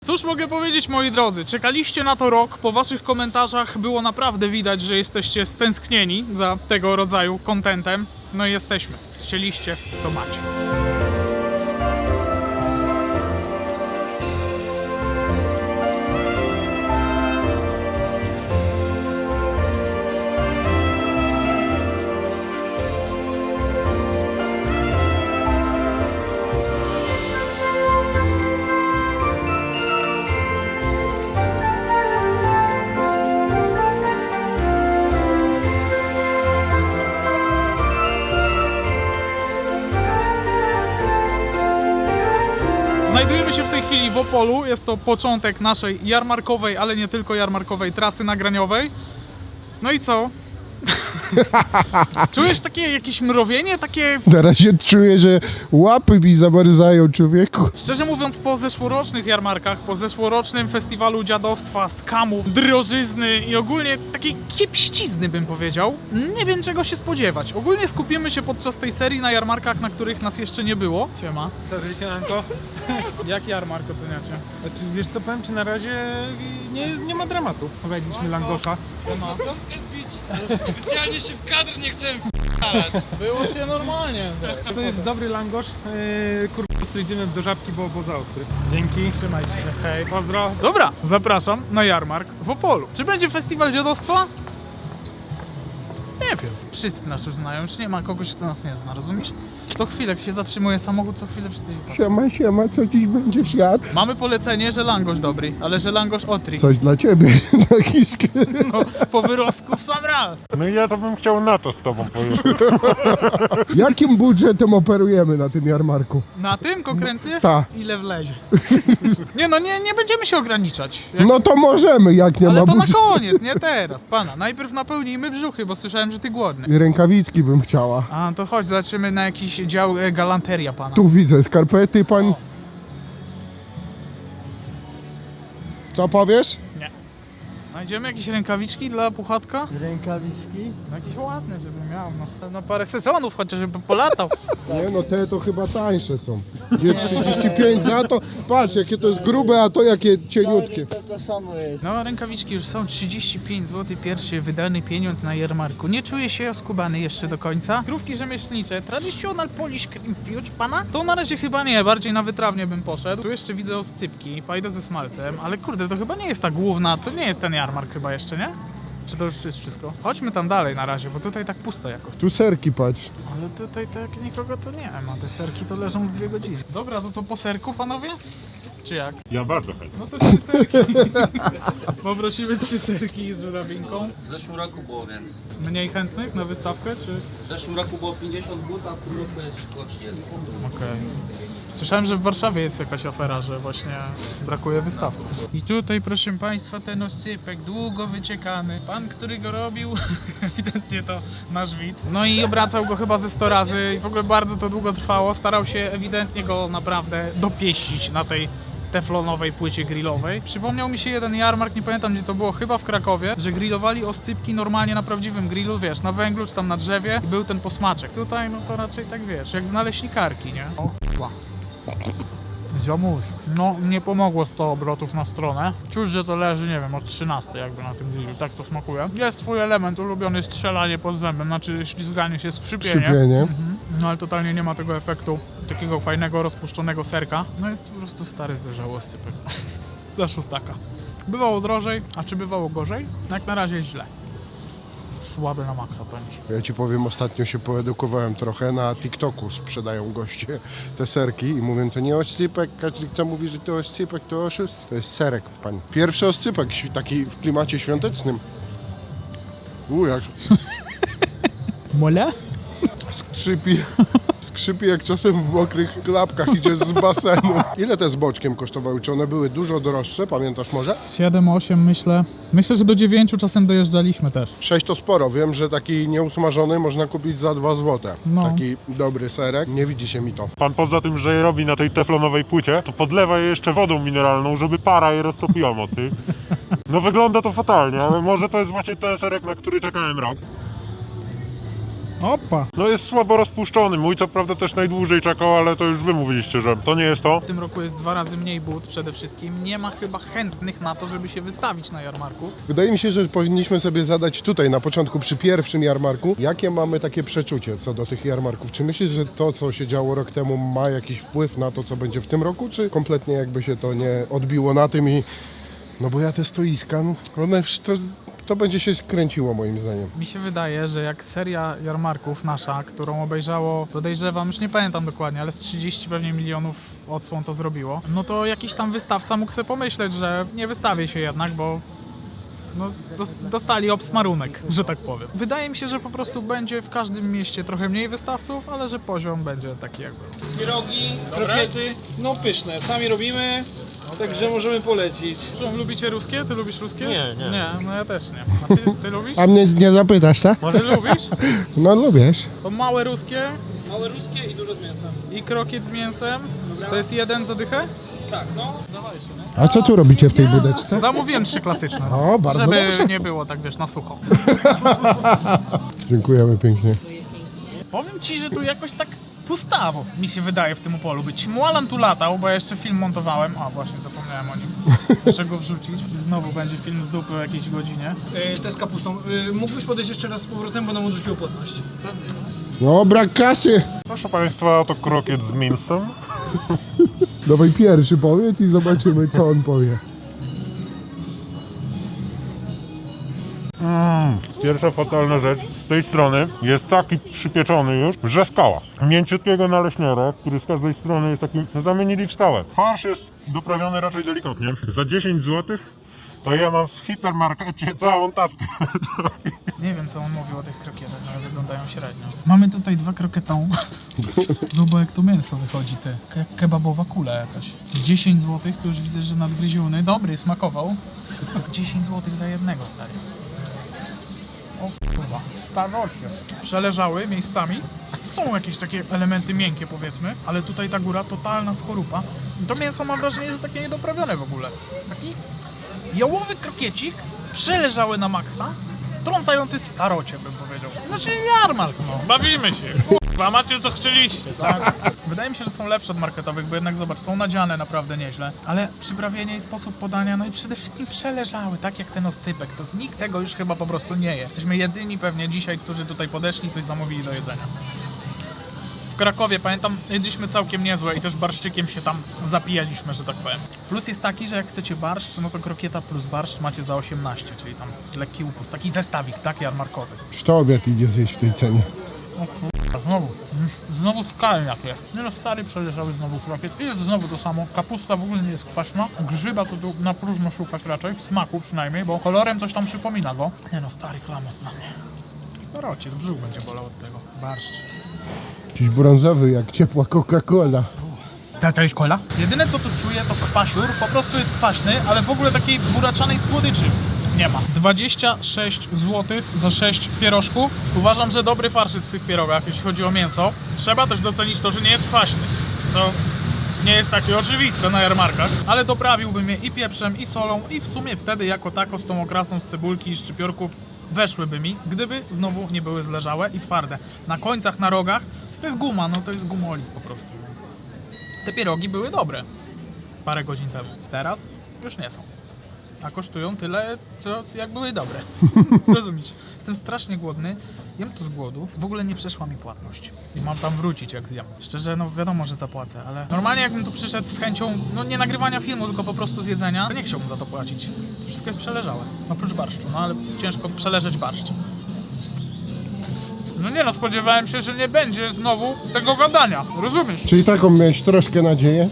Cóż mogę powiedzieć, moi drodzy, czekaliście na to rok, po waszych komentarzach było naprawdę widać, że jesteście stęsknieni za tego rodzaju contentem. No i jesteśmy. Chcieliście, to macie. Znajdujemy się w tej chwili w Opolu, jest to początek naszej jarmarkowej, ale nie tylko jarmarkowej trasy nagraniowej. No i co? Czujesz takie jakieś mrowienie, takie... Na razie czuję, że łapy mi zamarzają, człowieku. Szczerze mówiąc, po zeszłorocznych jarmarkach, po zeszłorocznym festiwalu dziadostwa, skamów, drożyzny i ogólnie takiej kiepścizny bym powiedział, nie wiem czego się spodziewać. Ogólnie skupimy się podczas tej serii na jarmarkach, na których nas jeszcze nie było. Siema. Sorry, siemanko. Jak jarmark oceniacie? Znaczy, wiesz co, powiem ci, na razie nie ma dramatu. Powiedzieliśmy Langosza. Siema. Piątkę zbić, specjalnie się w kadr nie chciałem w***alać. Było się normalnie. To jest dobry Langosz. Kurwa, ostry, idziemy do Żabki, bo za ostry. Dzięki. Trzymaj się. Hej. Pozdro. Dobra, zapraszam na jarmark w Opolu. Czy będzie festiwal dziadostwa? Nie wiem. Wszyscy nas już znają, już nie ma kogoś, kto nas nie zna, rozumiesz? Co chwilę, jak się zatrzymuje samochód, co chwilę wszyscy się patrzą. Siema, co dziś będziesz jadł? Mamy polecenie, że langosz dobry, ale że langosz otri. Coś dla ciebie, na kiskę. No, po wyrostku w sam raz. No i ja to bym chciał na to z tobą pojechać. Jakim budżetem operujemy na tym jarmarku? Na tym konkretnie? Ta. Ile wlezie. Nie no, nie będziemy się ograniczać. Jak... No to możemy, jak nie Ale ma to na budżetu. koniec, nie teraz, pana. Najpierw napełnijmy brzuchy, bo słyszałem, że ty głodny. Rękawiczki bym chciała. A, to chodź, zobaczymy na jakiś dział galanteria pana. Tu widzę skarpety, pan. Co powiesz? Znajdziemy jakieś rękawiczki dla puchatka? Rękawiczki? No jakieś ładne, żeby miał, no. Na parę sezonów chociaż, żeby polatał. Nie no, te to chyba tańsze są. Gdzie 35 za to? Patrz, jakie to jest grube, a to jakie cieniutkie. No, rękawiczki już są 35 zł, pierwszy wydany pieniądz na jarmarku. Nie czuję się oskubany jeszcze do końca. Krówki rzemieślnicze, traditional Polish cream fudge, pana? To na razie chyba nie, bardziej na wytrawnie bym poszedł. Tu jeszcze widzę oscypki, pajdę ze smalcem, ale kurde, to chyba nie jest ta główna, to nie jest ten jarmark chyba jeszcze, nie? Czy to już jest wszystko? Chodźmy tam dalej na razie, bo tutaj tak pusto jakoś. Tu serki, patrz. Ale tutaj tak nikogo to nie ma, te serki to leżą z 2 godziny. Dobra, to co po serku, panowie? Czy jak? Ja bardzo chętnie. No to 3 serki. Poprosimy 3 serki z żurawinką. W zeszłym roku było więcej. Mniej chętnych na wystawkę, czy? W zeszłym roku było 50 but, a w tym roku jest około 30. Okej. Słyszałem, że w Warszawie jest jakaś afera, że właśnie brakuje wystawców. I tutaj, proszę państwa, ten oscypek długo wyciekany. Pan, który go robił, ewidentnie to nasz widz. No i obracał go chyba ze 100 razy i w ogóle bardzo to długo trwało. Starał się ewidentnie go naprawdę dopieścić na tej teflonowej płycie grillowej. Przypomniał mi się jeden jarmark, nie pamiętam gdzie to było, chyba w Krakowie, że grillowali oscypki normalnie na prawdziwym grillu, wiesz, na węglu czy tam na drzewie i był ten posmaczek. Tutaj no to raczej tak wiesz, jak z naleśnikarki, nie? O k***a. Ziomuś. No nie pomogło 100 obrotów na stronę. Czuć, że to leży, nie wiem, od 13 jakby na tym grillu, tak to smakuje. Jest twój element ulubiony, strzelanie pod zębem, znaczy ślizganie się, skrzypienie. Skrzypienie. No ale totalnie nie ma tego efektu takiego fajnego, rozpuszczonego serka. No jest po prostu stary zderzały oscypek. Za szóstaka. Bywało drożej, a czy bywało gorzej? Jak na razie źle. Słaby na maksa pędzi. Ja ci powiem, ostatnio się poedukowałem trochę, na TikToku sprzedają goście te serki i mówią, to nie oscypek, każdy kto mówi, że to oscypek, to oszust. To jest serek, pani. Pierwszy oscypek, taki w klimacie świątecznym. Jak Mole? skrzypi jak czasem w mokrych klapkach idziesz z basenu. Ile te z boczkiem kosztowały? Czy one były dużo droższe, pamiętasz może? 7-8 myślę. Myślę, że do 9 czasem dojeżdżaliśmy też. 6 to sporo, wiem, że taki nieusmażony można kupić za 2 zł. No. Taki dobry serek, nie widzi się mi to. Pan poza tym, że je robi na tej teflonowej płycie, to podlewa je jeszcze wodą mineralną, żeby para je roztopiła mocy. No wygląda to fatalnie, ale może to jest właśnie ten serek, na który czekałem rok. Opa! No jest słabo rozpuszczony. Mój co prawda też najdłużej czekał, ale to już wy mówiliście, że to nie jest to. W tym roku jest 2 razy mniej but przede wszystkim. Nie ma chyba chętnych na to, żeby się wystawić na jarmarku. Wydaje mi się, że powinniśmy sobie zadać tutaj na początku przy pierwszym jarmarku, jakie mamy takie przeczucie co do tych jarmarków. Czy myślisz, że to, co się działo rok temu, ma jakiś wpływ na to, co będzie w tym roku, czy kompletnie jakby się to nie odbiło na tym i... No bo ja te stoiska, no, one, to będzie się kręciło moim zdaniem. Mi się wydaje, że jak seria jarmarków nasza, którą obejrzało, podejrzewam, już nie pamiętam dokładnie, ale z 30 pewnie milionów odsłon to zrobiło, no to jakiś tam wystawca mógł sobie pomyśleć, że nie wystawię się jednak, bo no, dostali obsmarunek, że tak powiem. Wydaje mi się, że po prostu będzie w każdym mieście trochę mniej wystawców, ale że poziom będzie taki jak był. Pierogi, krokiety, no pyszne. Sami robimy, także możemy polecić. Lubicie ruskie? Ty lubisz ruskie? Nie. Nie, no ja też nie. A ty lubisz? A mnie nie zapytasz, tak? Ty lubisz? No lubisz. To małe ruskie Małe ruskie i dużo z mięsem. i krokiet z mięsem. To jest 1 za dychę? Tak, no. Dawajcie, no. A co tu robicie w tej budeczce? Zamówiłem 3 klasyczne. O, bardzo Żeby dobrze. nie było tak, wiesz, na sucho. Dziękujemy pięknie. Powiem ci, że tu jakoś tak pustawo mi się wydaje w tym Opolu być. Mualan tu latał, bo ja jeszcze film montowałem. A właśnie, zapomniałem o nim. Muszę go wrzucić. Znowu będzie film z dupy o jakiejś godzinie. Te z kapustą. Mógłbyś podejść jeszcze raz z powrotem, bo nam odrzuciło płatność. No, brak kasy. Proszę państwa, to krokiet z mięsem. Dawaj pierwszy powiedz i zobaczymy, co on powie. Pierwsza fatalna rzecz z tej strony jest taki przypieczony już, że skała. Mięciutkiego naleśniora, który z każdej strony jest taki, zamienili w skałę. Farsz jest doprawiony raczej delikatnie. Za 10 zł to ja mam w hipermarkecie całą tatkę. Nie wiem, co on mówił o tych krokietach, ale wyglądają średnio. Mamy tutaj 2 kroketą. Zobacz, jak to mięso wychodzi, ty. Kebabowa kula jakaś. 10 zł, to już widzę, że nadgryziony. Dobry, smakował. 10 zł za jednego, stary. O kurwa, starocie. Przeleżały miejscami. Są jakieś takie elementy miękkie, powiedzmy, ale tutaj ta góra, totalna skorupa. To mięso mam wrażenie, że takie niedoprawione w ogóle. Taki jałowy krokiecik, przeleżały na maksa, trącający starocie, bym powiedział. Znaczy jarmark, no. Bawimy się. Kurwa, macie co chcieliście, tak? Wydaje mi się, że są lepsze od marketowych, bo jednak zobacz, są nadziane naprawdę nieźle, ale przyprawienie i sposób podania, no i przede wszystkim przeleżały, tak jak ten oscypek, to nikt tego już chyba po prostu nie je. Jesteśmy jedyni pewnie dzisiaj, którzy tutaj podeszli i coś zamówili do jedzenia. W Krakowie, pamiętam, jedliśmy całkiem niezłe i też barszczykiem się tam zapijaliśmy, że tak powiem. Plus jest taki, że jak chcecie barszcz, no to krokieta plus barszcz macie za 18, czyli tam lekki upust, taki zestawik, tak, jarmarkowy. Kto obiad idzie zjeść w tej cenie? O kurwa, znowu skalniak jest. Nie no, stary przeleżały znowu krokiet i jest znowu to samo. Kapusta w ogóle nie jest kwaśna, grzyba to tu na próżno szukać raczej, w smaku przynajmniej, bo kolorem coś tam przypomina go. Nie no, stary klamot na mnie. Starocie, brzuch będzie bolał od tego. Barszcz. Jakiś brązowy, jak ciepła Coca-Cola. To jest cola? Jedyne co tu czuję to kwasiur, po prostu jest kwaśny, ale w ogóle takiej buraczanej słodyczy nie ma. 26 zł za 6 pierożków. Uważam, że dobry farsz jest w tych pierogach, jeśli chodzi o mięso. Trzeba też docenić to, że nie jest kwaśny, co nie jest takie oczywiste na jarmarkach, ale doprawiłbym je i pieprzem, i solą, i w sumie wtedy jako tako z tą okrasą z cebulki i szczypiorku weszłyby mi, gdyby znowu nie były zleżałe i twarde. Na końcach, na rogach to jest guma, no to jest gumolit po prostu. Te pierogi były dobre parę godzin temu. Teraz już nie są. A kosztują tyle, co jak były dobre. Rozumiesz? Jestem strasznie głodny, jem to z głodu. W ogóle nie przeszła mi płatność. I mam tam wrócić jak zjem. Szczerze, no wiadomo, że zapłacę, ale normalnie jakbym tu przyszedł z chęcią, no nie nagrywania filmu, tylko po prostu z jedzenia, to nie chciałbym za to płacić. To wszystko jest przeleżałe. Oprócz barszczu, no ale ciężko przeleżeć barszcz. No nie no, spodziewałem się, że nie będzie znowu tego gadania. Rozumiesz? Czyli taką miałeś troszkę nadzieję?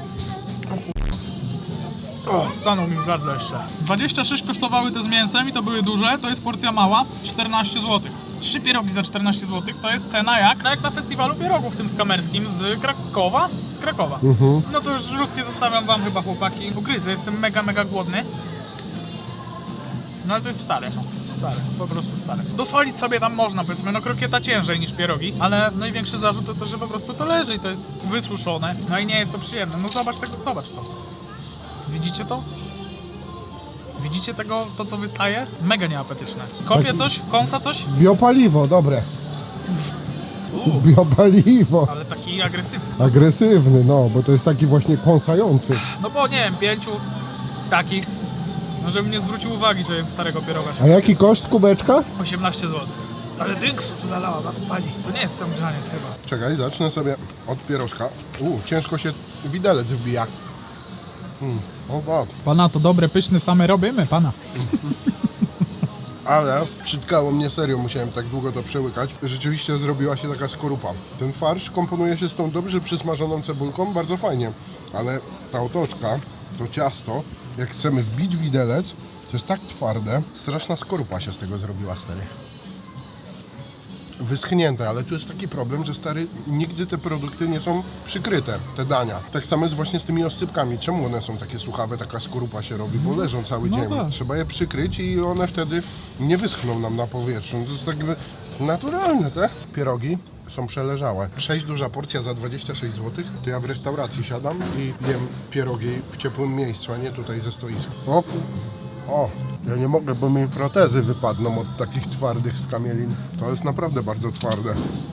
O, stanął mi w gardle jeszcze. 26 kosztowały te z mięsem i to były duże, to jest porcja mała, 14 zł. 3 pierogi za 14 zł to jest cena jak na festiwalu pierogów tym skamerskim z Krakowa? Z Krakowa. No to już ruskie zostawiam wam chyba, chłopaki. Ugryzę, jestem mega głodny. No ale to jest stare. Stare, po prostu stare. Dosolić sobie tam można, powiedzmy, no krokieta ciężej niż pierogi, ale największy zarzut to to, że po prostu to leży i to jest wysuszone, no i nie jest to przyjemne. No zobacz to. Widzicie to? Widzicie tego, to co wystaje? Mega nieapetyczne. Kopie coś? Kąsa coś? Biopaliwo, dobre. Biopaliwo. Ale taki agresywny. Agresywny, no, bo to jest taki właśnie kąsający. No bo nie wiem, 5 takich. No żebym nie zwrócił uwagi, że jem starego pieroga. A jaki koszt kubeczka? 18 zł. Ale dynksu tu nalała pani. To nie jest sam grzaniec chyba. Czekaj, zacznę sobie od pierożka. Ciężko się widelec wbija. O tak. Pana to dobre, pyszne same robimy, pana. Ale przytkało mnie serio, musiałem tak długo to przełykać. Rzeczywiście zrobiła się taka skorupa. Ten farsz komponuje się z tą dobrze przysmażoną cebulką, bardzo fajnie. Ale ta otoczka, to ciasto, jak chcemy wbić widelec, to jest tak twarde, straszna skorupa się z tego zrobiła, stary. Wyschnięte, ale tu jest taki problem, że stary, nigdy te produkty nie są przykryte, te dania. Tak samo jest właśnie z tymi oscypkami. Czemu one są takie suchawe, taka skorupa się robi, bo leżą cały dzień. tak. Trzeba je przykryć i one wtedy nie wyschną nam na powietrzu. To jest tak jakby naturalne, te pierogi są przeleżałe. 6 duża porcja za 26 zł, to ja w restauracji siadam i jem pierogi w ciepłym miejscu, a nie tutaj ze stoiska. O, ja nie mogę, bo mi protezy wypadną od takich twardych skamielin. To jest naprawdę bardzo twarde.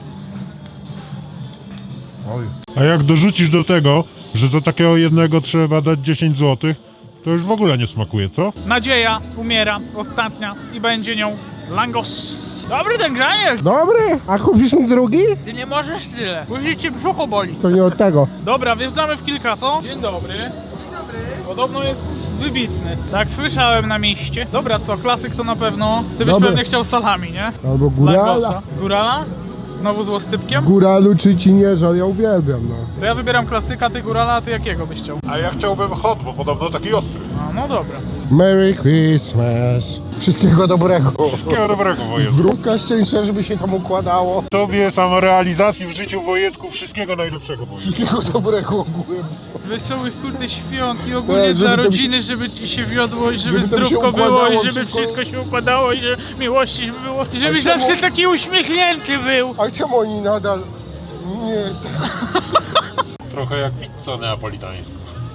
Oj. A jak dorzucisz do tego, że za takiego jednego trzeba dać 10 zł, to już w ogóle nie smakuje, co? Nadzieja umiera, ostatnia i będzie nią langos. Dobry ten grzaniec! Dobry, a kupisz mi drugi? Ty nie możesz tyle. Później cię brzucho boli. To nie od tego. Dobra, wjeżdżamy w kilka, co? Dzień dobry. Podobno jest wybitny. Tak słyszałem na mieście. Dobra, co? Klasyk to na pewno. Ty byś Dobry. pewnie chciał salami, nie? Albo górala. Langosza. Górala? Znowu z łoscypkiem? Góralu czy ci nie żal, ja uwielbiam, no. To ja wybieram klasyka, ty górala, a ty jakiego byś chciał? A ja chciałbym hot, bo podobno taki ostry. No dobra. Merry Christmas. Wszystkiego dobrego. Wszystkiego dobrego, Wojecku. Wróbka szczęścia, żeby się tam układało. Tobie samorealizacji w życiu, Wojecku, wszystkiego najlepszego, Wojecku. Wszystkiego dobrego ogółem. Wesołych kurde świąt i ogólnie Tak, żeby dla to rodziny, żeby ci się wiodło i żeby żeby to się zdrówko było układało i żeby wszystko. wszystko się układało i żeby miłości było i żebyś czemu- zawsze taki uśmiechnięty był. A czemu oni nadal... Nie, Trochę jak pizza neapolitańska.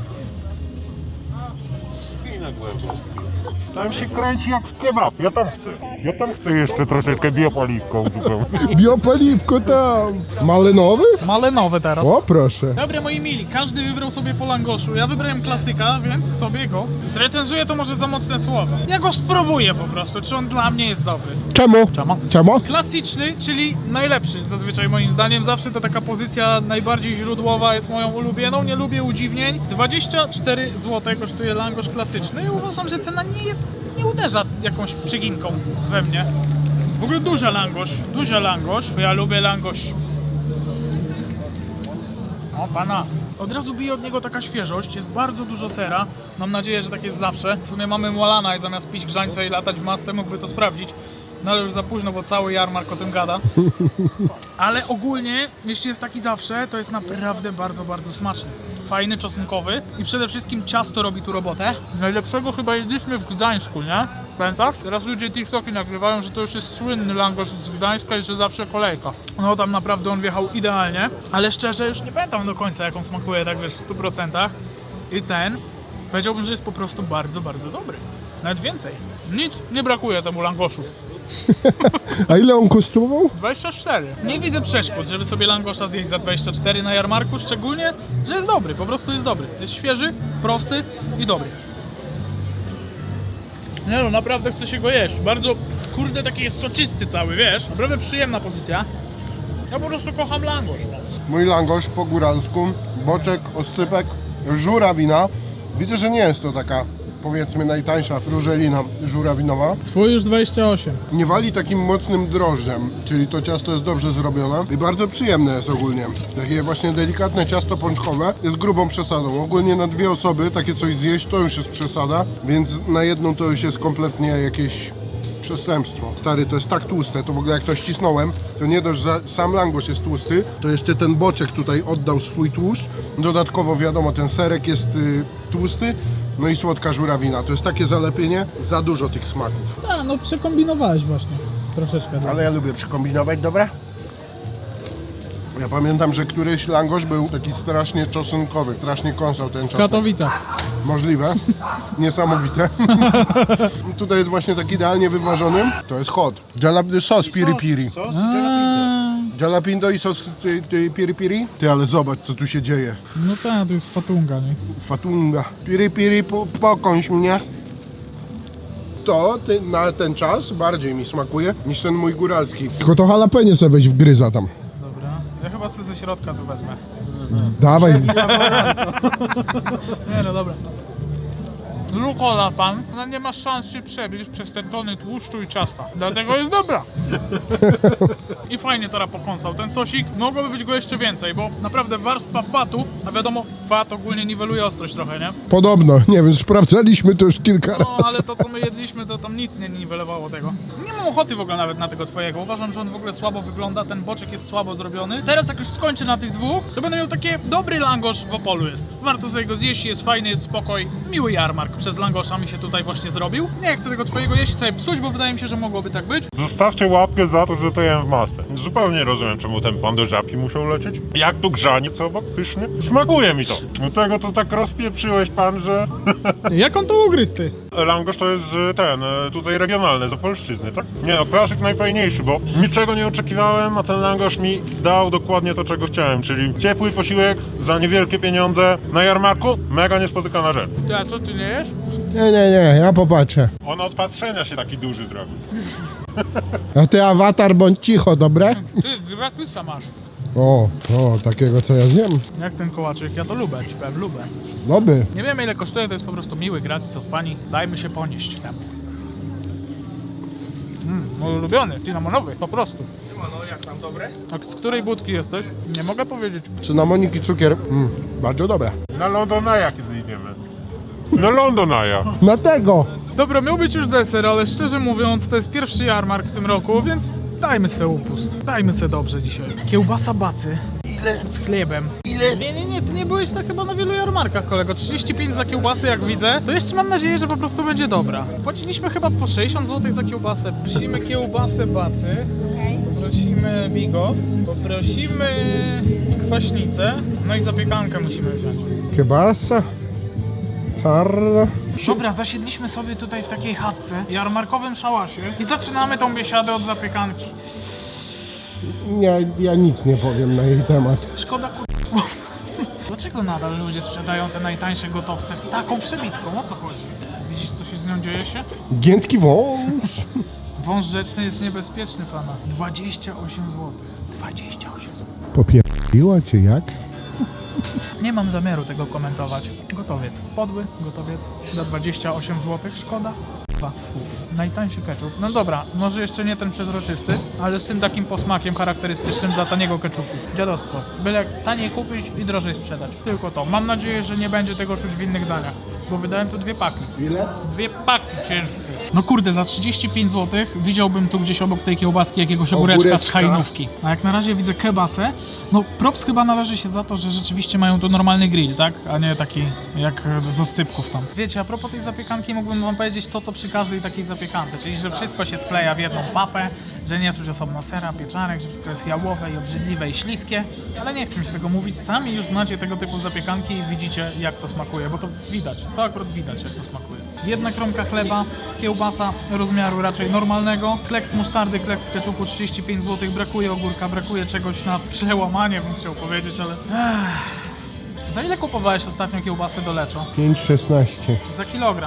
I na głęboko. Tam się kręci jak w kebab, ja tam chcę. Ja tam chcę jeszcze troszeczkę biopaliwką uzupełnić. biopaliwko tam. Malinowy? Malenowe teraz. O, proszę. Dobra moi mili, każdy wybrał sobie po langoszu. Ja wybrałem klasyka, więc sobie go zrecenzuję, to może za mocne słowa. Ja go spróbuję po prostu, czy on dla mnie jest dobry. Czemu? Czemu? Czemu? Klasyczny, czyli najlepszy zazwyczaj moim zdaniem. Zawsze to taka pozycja najbardziej źródłowa jest moją ulubioną. Nie lubię udziwnień. 24 zł kosztuje langosz klasyczny i uważam, że cena nie uderza jakąś przeginką we mnie. W ogóle duży langosz, bo ja lubię langosz. O pana. Od razu bije od niego taka świeżość, jest bardzo dużo sera. Mam nadzieję, że tak jest zawsze. W sumie mamy Mualana i zamiast pić grzańca i latać w masce mógłby to sprawdzić. No ale już za późno, bo cały jarmark o tym gada. Ale ogólnie, jeśli jest taki zawsze, to jest naprawdę bardzo, bardzo smaczny. Fajny, czosnkowy i przede wszystkim ciasto robi tu robotę. Najlepszego chyba jedliśmy w Gdańsku, nie? Pamiętasz? Teraz ludzie TikToki nagrywają, że to już jest słynny langosz z Gdańska i że zawsze kolejka. No tam naprawdę on wjechał idealnie, ale szczerze już nie pamiętam do końca jak on smakuje, tak wiesz, w 100%. I ten, powiedziałbym, że jest po prostu bardzo, bardzo dobry. Nawet więcej. Nic nie brakuje temu langoszu. A ile on kosztował? 24. Nie widzę przeszkód, żeby sobie langosza zjeść za 24 na jarmarku, szczególnie, że jest dobry, po prostu jest dobry. Jest świeży, prosty i dobry. Nie no, naprawdę chce się go jeść. Bardzo, kurde, taki jest soczysty cały, wiesz? Naprawdę przyjemna pozycja. Ja po prostu kocham langosz. No. Mój langosz po góralsku, boczek, oscypek, żurawina. Widzę, że nie jest to taka, powiedzmy, najtańsza frużelina żurawinowa. Twój już 28. Nie wali takim mocnym drożdżem, czyli to ciasto jest dobrze zrobione i bardzo przyjemne jest ogólnie. Takie właśnie delikatne ciasto pączkowe jest grubą przesadą. Ogólnie na 2 osoby takie coś zjeść to już jest przesada, więc na jedną to już jest kompletnie jakieś przestępstwo. Stary, to jest tak tłuste, to w ogóle jak to ścisnąłem, to nie dość, że sam langosz jest tłusty, to jeszcze ten boczek tutaj oddał swój tłuszcz. Dodatkowo wiadomo, ten serek jest tłusty, no i słodka żurawina. To jest takie zalepienie, za dużo tych smaków. A, no przekombinowałeś właśnie. Troszeczkę. Ale ja lubię przykombinować, dobra? Ja pamiętam, że któryś langosz był taki strasznie czosnkowy, strasznie kąsał ten czosnek. Katowicach. Możliwe. Niesamowite. Tutaj jest właśnie tak idealnie wyważony. To jest hot. Jalapeno sos piri piri. Sos? Jalapino i sos piri piri? Ty, ale zobacz, co tu się dzieje. No tak, to jest fatunga, nie? Fatunga. Piri piri, pokąś mnie. To na ten czas bardziej mi smakuje niż ten mój góralski. Tylko to jalapeno sobie weź wgryza tam. Dobra. Ja chyba sobie ze środka tu wezmę. Dawaj. Nie no dobra. Rukola pan, ona nie ma szans się przebić przez te tony tłuszczu i ciasta. Dlatego jest dobra. I fajnie teraz pokąsał. Ten sosik, mogłoby być go jeszcze więcej, bo naprawdę warstwa fatu, a wiadomo, fat ogólnie niweluje ostrość trochę, nie? Podobno, nie wiem, sprawdzaliśmy to już kilka razy. No, ale to co my jedliśmy, to tam nic nie niwelowało tego. Nie mam ochoty w ogóle nawet na tego twojego. Uważam, że on w ogóle słabo wygląda, ten boczek jest słabo zrobiony. Teraz jak już skończę na tych dwóch, to będę miał takie dobry langosz w Opolu jest. Warto sobie go zjeść, jest fajny, jest spokoj. Miły jarmark przez langosza mi się tutaj właśnie zrobił. Nie chcę tego twojego jeść sobie psuć, bo wydaje mi się, że mogłoby tak być. Zostawcie łapkę za to, że to jem w masce. Zupełnie nie rozumiem, czemu ten pan do żabki musiał lecieć. Jak tu grzaniec obok, pyszny? Smakuje mi to. Do tego to tak rozpieprzyłeś pan, że... Jak on to ugryzł, ty? Langosz to jest tutaj regionalny, z Opolszczyzny, tak? Nie no, klasyk najfajniejszy, bo niczego nie oczekiwałem, a ten langosz mi dał dokładnie to, czego chciałem, czyli ciepły posiłek za niewielkie pieniądze na jarmarku, mega niespotykana rzecz. Ty, a co, ty nie jesz? Nie, ja popatrzę. On od patrzenia się taki duży zrobił. A ty awatar bądź cicho, dobre? Ty, gratusa masz. O, takiego co ja zjem. Jak ten kołaczyk? Ja to lubię, ci powiem, lubię. Dobry. Nie wiemy ile kosztuje, to jest po prostu miły gratis od pani. Dajmy się ponieść temu. Mój ulubiony, cynamonowy, po prostu. No jak tam, dobre? A z której budki jesteś? Nie mogę powiedzieć. Cynamonik i cukier. Bardzo dobre. Na Londonaja kiedy idziemy. Na Londonaja. Na tego! Dobra, miał być już deser, ale szczerze mówiąc, to jest pierwszy jarmark w tym roku, więc dajmy se upust. Dajmy se dobrze dzisiaj. Kiełbasa bacy. Ile? Z chlebem. Ile? Nie, ty nie byłeś tak chyba na wielu jarmarkach, kolego. 35 za kiełbasę, jak widzę. To jeszcze mam nadzieję, że po prostu będzie dobra. Płaciliśmy chyba po 60 zł za kiełbasę. Prosimy kiełbasę bacy. Poprosimy bigos. Poprosimy kwaśnicę. No i zapiekankę musimy wziąć. Kiełbasa. Czarna. Dobra, zasiedliśmy sobie tutaj w takiej chatce, jarmarkowym szałasie i zaczynamy tą biesiadę od zapiekanki. Nie, ja nic nie powiem na jej temat. Szkoda Dlaczego nadal ludzie sprzedają te najtańsze gotowce z taką przebitką? O co chodzi? Widzisz, co się z nią dzieje się? Giętki wąż. Wąż rzeczny jest niebezpieczny, pana. 28 zł. 28 zł. Popierdziła cię jak? Nie mam zamiaru tego komentować. Gotowiec. Podły gotowiec za 28 zł. Szkoda. Dwa słów. Najtańszy ketchup. No dobra, może jeszcze nie ten przezroczysty, ale z tym takim posmakiem charakterystycznym dla taniego ketchupu. Dziadostwo. Byle taniej kupić i drożej sprzedać. Tylko to. Mam nadzieję, że nie będzie tego czuć w innych daniach, bo wydałem tu 2 paki. Ile? 2 paki ciężkie. No kurde, za 35 zł widziałbym tu gdzieś obok tej kiełbaski jakiegoś ogóreczka z hajnówki. A jak na razie widzę kebasę, no props chyba należy się za to, że rzeczywiście mają tu normalny grill, tak? A nie taki jak z oscypków tam. Wiecie, a propos tej zapiekanki mógłbym wam powiedzieć to, co przy każdej takiej zapiekance, czyli że wszystko się skleja w jedną papę, że nie czuć osobno sera, pieczarek, że wszystko jest jałowe i obrzydliwe i śliskie, ale nie chcę mi się tego mówić, sami już znacie tego typu zapiekanki i widzicie, jak to smakuje, bo to widać, to akurat widać, jak to smakuje. Jedna kromka chleba, kiełbasa rozmiaru raczej normalnego, kleks musztardy, kleks ketchupu 35 zł, brakuje ogórka, brakuje czegoś na przełamanie, bym chciał powiedzieć, ale... Za ile kupowałeś ostatnio kiełbasę do Leczo? 5,16. Za kilogram.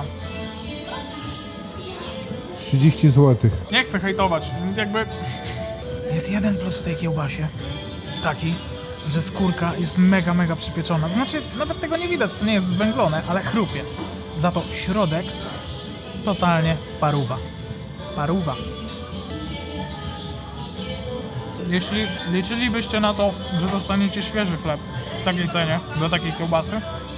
30 zł. Nie chcę hejtować, jakby... Jest jeden plus w tej kiełbasie, taki, że skórka jest mega przypieczona. Znaczy, nawet tego nie widać, to nie jest zwęglone, ale chrupie. Za to środek totalnie paruwa. Paruwa. Jeśli liczylibyście na to, że dostaniecie świeży chleb w takiej cenie, do takiej kiełbasy,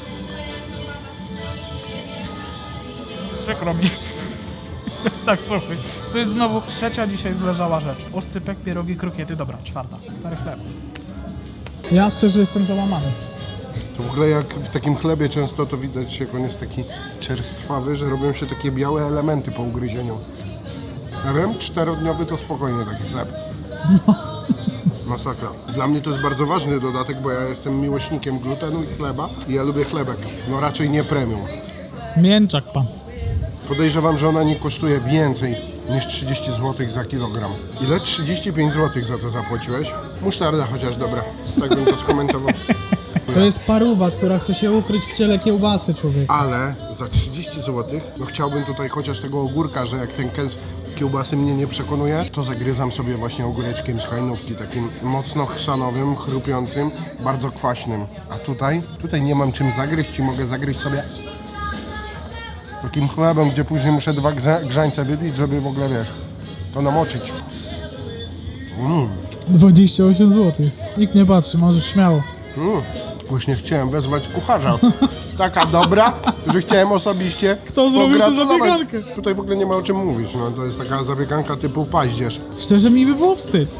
przykro mi. Tak, słuchaj. To jest znowu trzecia dzisiaj zleżała rzecz. Oscypek, pierogi, krokiety, dobra, 4. Stary chleb. Ja szczerze jestem załamany. To w ogóle jak w takim chlebie często to widać, jak on jest taki czerstwawy, że robią się takie białe elementy po ugryzieniu. Ja wiem, 4-dniowy to spokojnie taki chleb. Masakra. Dla mnie to jest bardzo ważny dodatek, bo ja jestem miłośnikiem glutenu i chleba i ja lubię chlebek. No raczej nie premium. Mięczak pan. Podejrzewam, że ona nie kosztuje więcej niż 30 zł za kilogram. Ile? 35 zł za to zapłaciłeś? Musztarda chociaż dobra, tak bym to skomentował. To jest paruwa, która chce się ukryć w ciele kiełbasy, człowiek. Ale za 30 zł, no chciałbym tutaj chociaż tego ogórka, że jak ten kęs kiełbasy mnie nie przekonuje, to zagryzam sobie właśnie ogóreczkiem z hajnówki, takim mocno chrzanowym, chrupiącym, bardzo kwaśnym. A tutaj nie mam czym zagryźć i mogę zagryźć sobie takim chlebem, gdzie później muszę 2 grzańce wypić, żeby w ogóle, wiesz, to namoczyć. 28 zł. Nikt nie patrzy, możesz śmiało. Właśnie chciałem wezwać kucharza. Taka dobra, że chciałem osobiście Kto zrobił tę pogratulować. zapiekankę? Tutaj w ogóle nie ma o czym mówić, no to jest taka zapiekanka typu paździerz. Szczerze mi by było wstyd.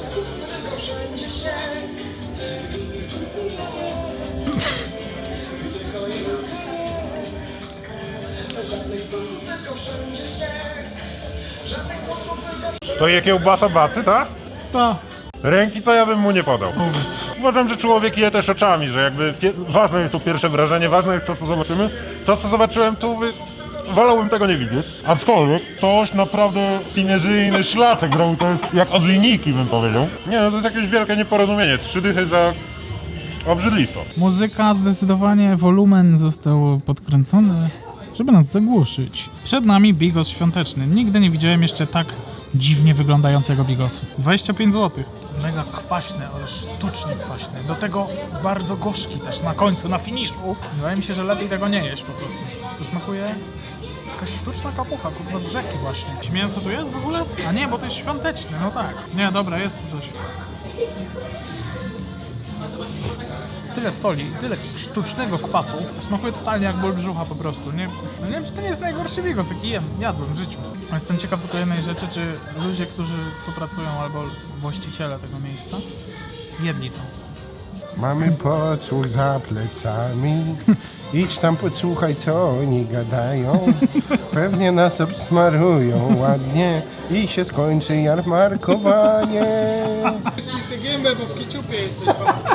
To je kiełbasa basy, tak? Ta. Ręki to ja bym mu nie podał. Uważam, że człowiek je też oczami, że jakby ważne jest to pierwsze wrażenie, ważne jest to, co zobaczymy. To, co zobaczyłem tu, wolałbym tego nie widzieć. Aczkolwiek ktoś naprawdę finezyjny szlaczek robił, to jest jak od linijki, bym powiedział. Nie no, to jest jakieś wielkie nieporozumienie. 3 dychy za obrzydlistwo. Muzyka, zdecydowanie wolumen został podkręcony, żeby nas zagłuszyć. Przed nami bigos świąteczny. Nigdy nie widziałem jeszcze tak dziwnie wyglądającego bigosu. 25 zł. Mega kwaśny, ale sztucznie kwaśny. Do tego bardzo gorzki też na końcu, na finiszu. Wydaje mi się, że lepiej tego nie jeść po prostu. To smakuje jakaś sztuczna kapucha, kurwa z rzeki właśnie. Czy mięso tu jest w ogóle? A nie, bo to jest świąteczny, no tak. Nie, dobra, jest tu coś. Tyle soli, tyle sztucznego kwasu. Smakuje totalnie jak ból brzucha po prostu. Nie wiem, czy to nie jest najgorszy bigos, jaki jadłem w życiu. Jestem ciekaw tylko jednej rzeczy, czy ludzie, którzy tu pracują, albo właściciele tego miejsca, jedli to. Mamy podsłuch za plecami. Idź tam podsłuchaj, co oni gadają. Pewnie nas obsmarują ładnie i się skończy jarmarkowanie. Ci gębę, bo w kiciupie jesteś.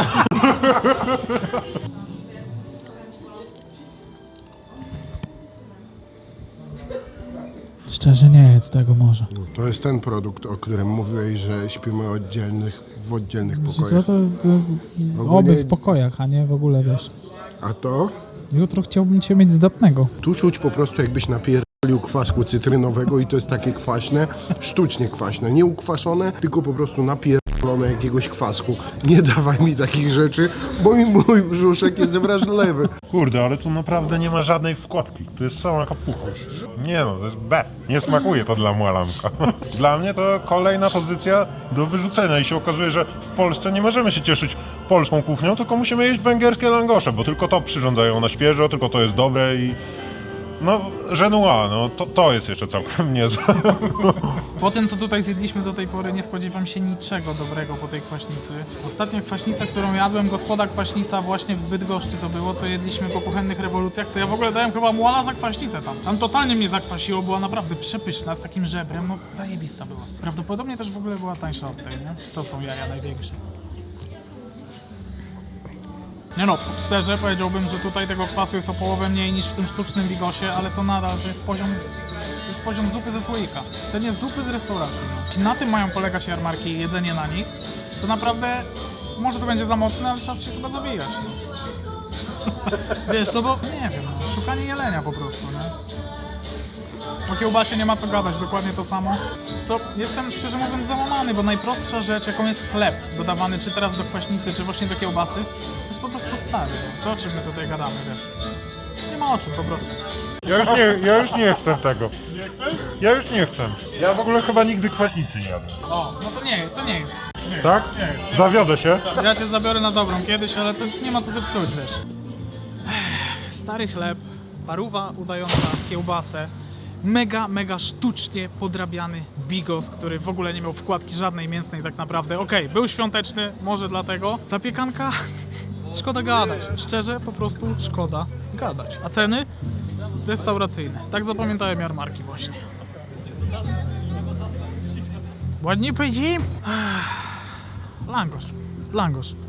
Szczerze nie jedz tego może. To jest ten produkt, o którym mówiłeś, że śpimy w oddzielnych To pokojach. Ogólnie- oby w pokojach, a nie w ogóle, wiesz. A to? Jutro chciałbym cię mieć zdatnego. Tu czuć po prostu jakbyś napierdolił kwasku cytrynowego i to jest takie kwaśne, sztucznie kwaśne, nie ukwaszone, tylko po prostu napierdolone jakiegoś kwasku. Nie dawaj mi takich rzeczy, bo mi mój brzuszek jest wrażliwy. Kurde, ale tu naprawdę nie ma żadnej wkładki. Tu jest sama kapucha. Nie no, to jest B. Nie smakuje to dla młalanka. Dla mnie to kolejna pozycja do wyrzucenia i się okazuje, że w Polsce nie możemy się cieszyć polską kuchnią, tylko musimy jeść węgierskie langosze, bo tylko to przyrządzają na świeżo, tylko to jest dobre i... No, Genua, no to jest jeszcze całkiem niezłe. Po tym, co tutaj zjedliśmy do tej pory, nie spodziewam się niczego dobrego po tej kwaśnicy. Ostatnia kwaśnica, którą jadłem, gospoda kwaśnica właśnie w Bydgoszczy to było, co jedliśmy po kuchennych rewolucjach, co ja w ogóle dałem chyba muala za kwaśnicę tam. Tam totalnie mnie zakwasiło, była naprawdę przepyszna, z takim żebrem, no zajebista była. Prawdopodobnie też w ogóle była tańsza od tej, nie? To są jaja największe. Nie no, szczerze powiedziałbym, że tutaj tego kwasu jest o połowę mniej niż w tym sztucznym bigosie, ale to nadal to jest poziom zupy ze słoika. W cenie zupy z restauracji. Jeśli na tym mają polegać jarmarki i jedzenie na nich, to naprawdę może to będzie za mocne, ale czas się chyba zawijać. Wiesz, no bo nie wiem, no, szukanie jelenia po prostu, nie? O kiełbasie nie ma co gadać, dokładnie to samo. Co, jestem szczerze mówiąc załamany, bo najprostsza rzecz, jaką jest chleb, dodawany czy teraz do kwaśnicy, czy właśnie do kiełbasy, jest po prostu stary. No. To o czym my tutaj gadamy, wiesz? Nie ma o czym po prostu. Ja już nie chcę tego. Nie chcesz? Ja już nie chcę. Ja w ogóle chyba nigdy kwaśnicy nie jadłem. O, no to nie jest. Tak? Nie. Zawiodę się. Ja cię zabiorę na dobrą kiedyś, ale to nie ma co zepsuć, wiesz. Stary chleb, paruwa udająca kiełbasę, mega sztucznie podrabiany bigos, który w ogóle nie miał wkładki żadnej mięsnej tak naprawdę. Okej, był świąteczny, może dlatego. Zapiekanka, szkoda gadać. Szczerze, po prostu szkoda gadać. A ceny? Restauracyjne. Tak zapamiętałem jarmarki właśnie. Ładnie powiedziałem? Langosz.